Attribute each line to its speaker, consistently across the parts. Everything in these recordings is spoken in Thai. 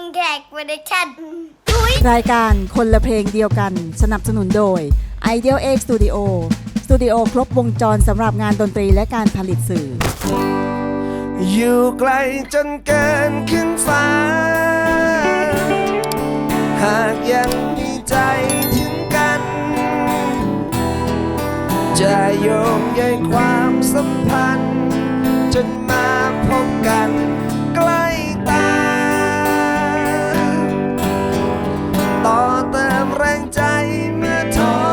Speaker 1: งแขกโปรดักชั่น
Speaker 2: รายการคนละเพลงเดียวกันสนับสนุนโดย Ideal X Studio สตูดิโอครบวงจรสำหรับงานดนตรีและการผลิตสื่อ
Speaker 3: อยู่ไกลจนเกินขึ้นฟ้าหากยังมีใจถึงกันจะโยงใยความสัมพันธ์จนมาพบกันใกล้ตาต่อเติมแรงใจเมื่อท้อ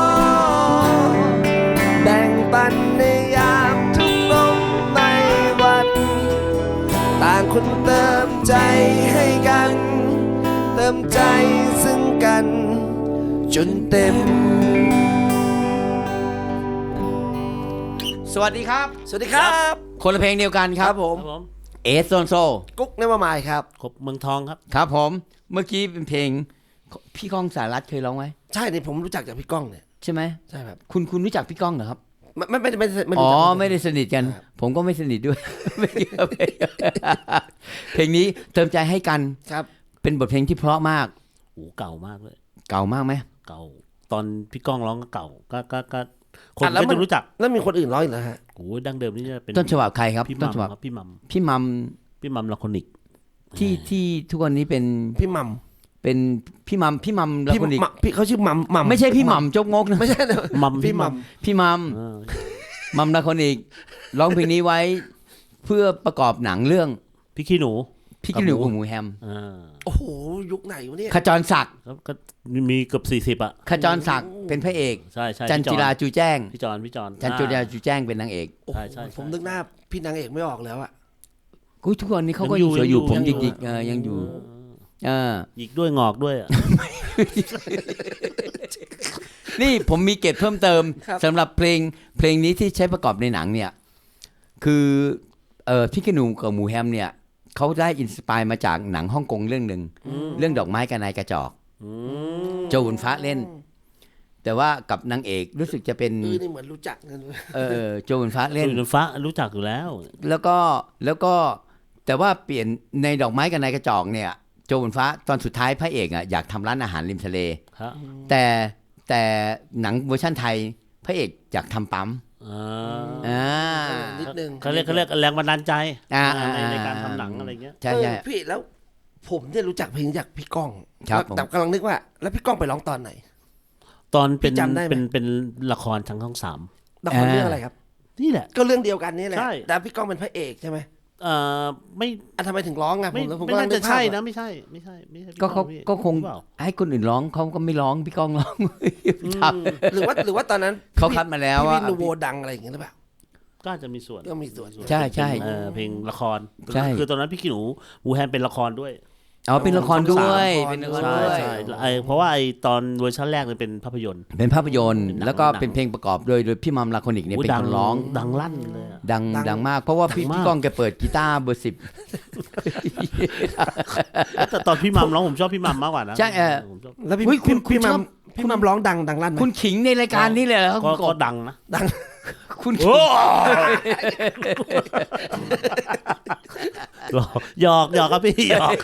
Speaker 3: แบ่งปันในยามทุกลมไม่หวั่นต่างคนเติมใจให้กันเติมใจซึ่งกันจนเต็ม
Speaker 4: สวัสดีครับ
Speaker 3: สวัสดีครับ
Speaker 4: คนละเพลงเดียวกันครับ
Speaker 3: ผม
Speaker 4: เอสโซนโซ
Speaker 3: กุ๊กเนวมายครับ
Speaker 5: ครบเมืองทองครับ
Speaker 4: ครับผมเมื่อกี้เป็นเพลงพี่ก้องสารัตน์เคยร้องไหม
Speaker 3: ใช่เนี่ยผมรู้จักจากพี่ก้องเนี่ย
Speaker 4: ใช่ไหม
Speaker 3: ใช่ครับ
Speaker 4: คุณรู้จักพี่ก้องเหรอครับ
Speaker 3: ไม่
Speaker 4: อ๋อไม่ได้สนิทกันผมก็ไม่สนิทด้วยเพลงนี้เติมใจให้กัน
Speaker 3: ครับ
Speaker 4: เป็นบทเพลงที่เพราะมาก
Speaker 5: โอ้เก่ามากเลย
Speaker 4: เก่ามากไหม
Speaker 5: เก่าตอนพี่ก้องร้องก็เก่าก็คนก็จะรู้จัก
Speaker 3: แล้วมีคนอื่นร้องอีกนะฮะ
Speaker 5: โอ้ดั้งเดิมนี่จะเป็น
Speaker 4: ต้นฉบับใครครับ
Speaker 5: ต้นฉบับ
Speaker 4: พี่มัม
Speaker 5: ลาคอนิก
Speaker 4: ที่ทุกวันนี้เป็น
Speaker 3: พี่มัม
Speaker 4: เป็นพี่มัมลาคอนิก
Speaker 3: พี่เขาชื่อมัม
Speaker 4: ไม่ใช่พี่มัมจกงกนะ
Speaker 3: ไม่ใช่
Speaker 5: มัม
Speaker 3: พี่มัม
Speaker 4: มัมลาคอนิกร้องเพลงนี้ไว้เพื่อประกอบหนังเรื่อง
Speaker 5: พี่ขี้หนู
Speaker 4: กับหมูแฮม
Speaker 3: โอ้โหยุคไหนวะเนี่ย
Speaker 4: ขจรศักดิ์
Speaker 5: ก็มีเกือบ40อ่ะ
Speaker 4: ขจรศักดิ์เป็นพระเอก
Speaker 5: ใช่
Speaker 4: จันจิราจูแจ้ง
Speaker 5: พี่จอน
Speaker 4: จันจิราจูแจ้งเป็นนางเอก
Speaker 5: ใช่
Speaker 3: ผมนึกหน้าพี่นางเอกไม่ออกแล้วอ่ะ
Speaker 4: ทุกวันนี้เขาก็ยังสวยอยู่ผมหยิกๆยังอยู่
Speaker 5: หยิกด้วยงอกด้วย
Speaker 4: นี่ผมมีเกร็ดเพิ่มเติมสำหรับเพลงนี้ที่ใช้ประกอบในหนังเนี่ยคือพี่ขี้หนูกับหมูแฮมเนี่ยเขาได้อินสปายมาจากหนังฮ่องกงเรื่องหนึ่งเรื่องดอกไม้กับนายกระจอกโจวุนฟ้าเล่นแต่ว่ากับนางเอกรู้สึกจะเป็น
Speaker 3: นี่เหมือนรู้จักกัน
Speaker 4: โจวุนฟ้าเล่น
Speaker 5: โจวุนฟ้ารู้จักอยู่แล้ว
Speaker 4: แล้วก็แต่ว่าเปลี่ยนในดอกไม้กับนายกระจอกเนี่ยโจวุนฟ้าตอนสุดท้ายพระเอกอยากทำร้านอาหารริมทะเลแต่หนังเวอร์ชั่นไทยพระเอกอยากทำปั๊ม
Speaker 3: นิดนึง
Speaker 5: เขาเรียกแรงบันดาลใจในการทำหนังอะไรเงี้ย
Speaker 4: ใช่
Speaker 3: พี่แล้วผมเนี่ยรู้จักเพลงจากพี่ก้องแต่กำลังนึกว่าแล้วพี่ก้องไปร้องตอนไหน
Speaker 5: ตอนเป็นละครทางช่อง3
Speaker 3: ละครเรื่องอะไรครับ
Speaker 5: นี่แหละ
Speaker 3: ก็เรื่องเดียวกันนี่แหละแต่พี่ก้องเป็นพระเอกใช่ไหม
Speaker 5: ไม่
Speaker 3: ทำไมถึงร้องอ่ะ
Speaker 5: ผมไม่น่าจะใช่นะไม่ใช่
Speaker 4: ก็คงให้คนอื่นร้องเขาก็ไม่ร้องพี่ก้องร้อง
Speaker 3: หรือว่าตอนนั้น
Speaker 4: เขาคัดมาแล้วว่า
Speaker 3: พี่นูโวดังอะไรอย่างเงี้ยหรือเปล่า
Speaker 5: ก็จะมีส่วน
Speaker 4: ใช่
Speaker 5: เพลงละคร
Speaker 4: คื
Speaker 5: อตอนนั้นพี่ขี้หนูวูแฮมเป็นละครด้วย
Speaker 4: เป็นละครด้วย
Speaker 5: ใช่เพราะว่าตอนเวอร์ชันแรกเนี่ยเป็นภาพยนตร์
Speaker 4: แล้วก็เป็นเพลงประกอบโดยพี่มัมลาคอนิกเนี่ยเป็นคนร้อง
Speaker 5: ดังลั่นเลย
Speaker 4: ดังมากเพราะว่าพี่ก้องแกเปิดกีตาร์เบอร์10
Speaker 5: แต่ตอนพี่มัมร้องผมชอบพี่มัมมากกว่านะ
Speaker 4: ใช่
Speaker 3: แล้วพี่มัมร้องดังลั่น
Speaker 4: คุณขิงในรายการนี้เลยเหรอ
Speaker 5: ก็ดังนะ
Speaker 3: ดัง
Speaker 4: คุณขิง
Speaker 5: หยอกครับพี่หยอก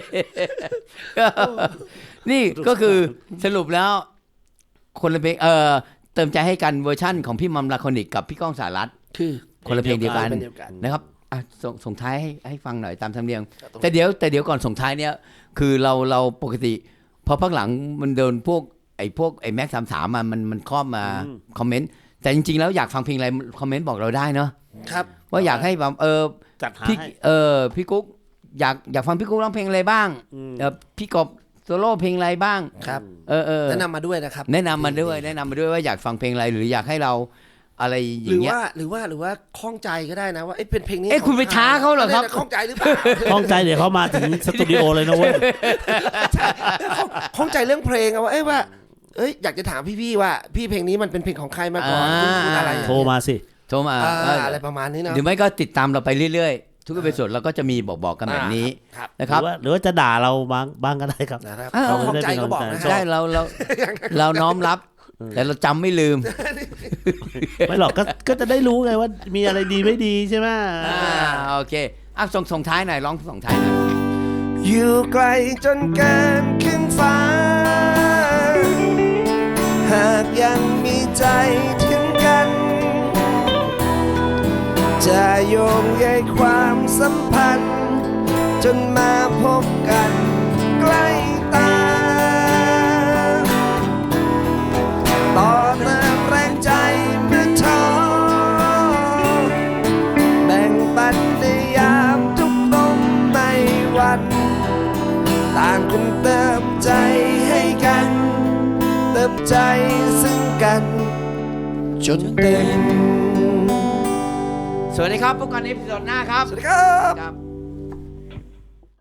Speaker 4: นี่ก็คือสรุปแล้วคนละเพลงเติมใจให้กันเวอร์ชั่นของพี่มัมลาคอนิกกับพี่ก้องสารัตน์
Speaker 3: คือ
Speaker 4: คนละเพลงเดียวกันนะครับส่งท้ายให้ฟังหน่อยตามธรรมเนียมแต่เดี๋ยวก่อนส่งท้ายเนี่ยคือเราปกติพอพักหลังมันเดินพวกไอ้แม็ก33มันครอบมาคอมเมนต์แต่จริงๆแล้วอยากฟังเพลงอะไรคอมเมนต์บอกเราได้เนาะ
Speaker 3: ครับ
Speaker 4: ว่าอยากให้แบบ
Speaker 5: จัดหา
Speaker 4: พี่กุ๊กอยากฟังพี่กุ๊กร้องเพลงอะไรบ้างพี่กบโซโล่เพลงอะไรบ้าง
Speaker 3: ครับแนะนำมาด้วยนะครับ
Speaker 4: แนะนำมาด้วยว่าอยากฟังเพลงอะไรหรืออยากให้เราอะไรอย่างเงี้ย
Speaker 3: หรือว่าคล่องใจก็ได้นะว่าเป็นเพลงนี้
Speaker 4: คุณไปท้าเขาเหรอครับ
Speaker 3: คล่องใจหรือเปล่า
Speaker 5: คล่องใจเดี๋ยวเขามาถึงสตูดิโอเลยนะเว้ย
Speaker 3: คล่องใจเรื่องเพลงว่าอยากจะถามพี่ว่าพี่เพลงนี้มันเป็นเพลงของใครมาก่อนอะไร
Speaker 5: โทรมา
Speaker 3: อะไรประมาณนี้นะ
Speaker 4: หรือไม่ก็ติดตามเราไปเรื่อยๆทุกเอพิโซดเราก็จะมีบอกกันแบบนี้นะครับ
Speaker 5: หรือว่าจะด่าเราบ้างก็ได้ครับ
Speaker 3: คล่องใจก็บอกนะ
Speaker 4: ได้เราน้อมรับแต่เราจำไม่ลืม
Speaker 5: ไม่หรอกก็จะได้รู้ไงว่ามีอะไรดีไม่ดีใช่ไหม
Speaker 4: โอเคส่งท้ายหน่อยร้องส่งท้ายหน่อย
Speaker 3: อยู่ไกลจนเกินขึ้นฟ้า หากยังมีใจถึงกัน จะโยงใยความสัมพันธ์ จนมาพบกันใกล้ตา ต่อเติมแรงใจเมื่อท้อแบ่งปันในยามทุกลมไม่หวั่นต่างคนเติมใจให้กัน เติมใจซึ่งกันจนเต็ม
Speaker 4: สวัสดีครับพบกันในตอนหน้าครับ
Speaker 3: สวัสดีครับ
Speaker 4: ครับ